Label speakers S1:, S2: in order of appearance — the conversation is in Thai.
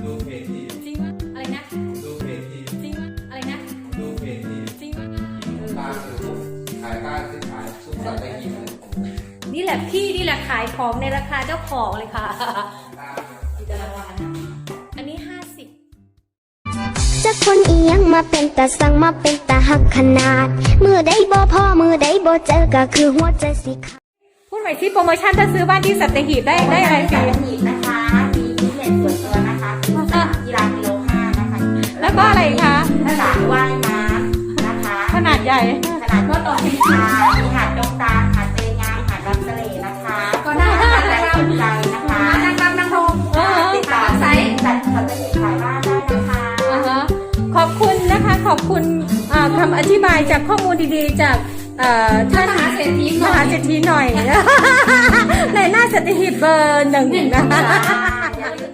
S1: ดูเพจที่
S2: จริงวะอะไรนะ
S1: ดูเพจที่
S2: จริงวะอะไรนะ
S1: ดูเพจที่
S2: จริงวะ
S1: ตาคือขายบ้านคือขายซุปสัตว์ได้กิน
S2: นี่แหละพี่นี่แหละขายของในราคาเจ้าของเลยค่ะอันนี้50
S3: จักคนอียังมาเป็นตาสั่งมาเป็นตาหักขนาดมือใดบ่พ่อมือใดบ่เจอก็คือหัวใจสิขาด
S2: พูดใหม่ที่โปรโมชั่นถ้าซื้อบ้านที่สัตหีบได้อะไรฟรี
S4: สัตหีบนะคะมีพิเศษส่วนตัวนะคะกีฬากิโล5นะคะ
S2: แล้วก็อะไรคะ
S4: สระว่ายน้ำนะคะ
S2: ขนาดใหญ่
S4: ขนาดก็ต่อพิชามีหาดดงตาหาดเตยงามหาดรักทะเลนะคะก็ได้ใครสนใจนะคะนั่งติดต่อไซต์สัตหีบขายบ้านได้นะคะ
S2: ขอบคุณนะคะขอบคุณคำอธิบายจากข้อมูลดีๆจากท่านมหาเศรษฐีหน่อยในหน้าสัตหีบเบอร์ 1นะคะ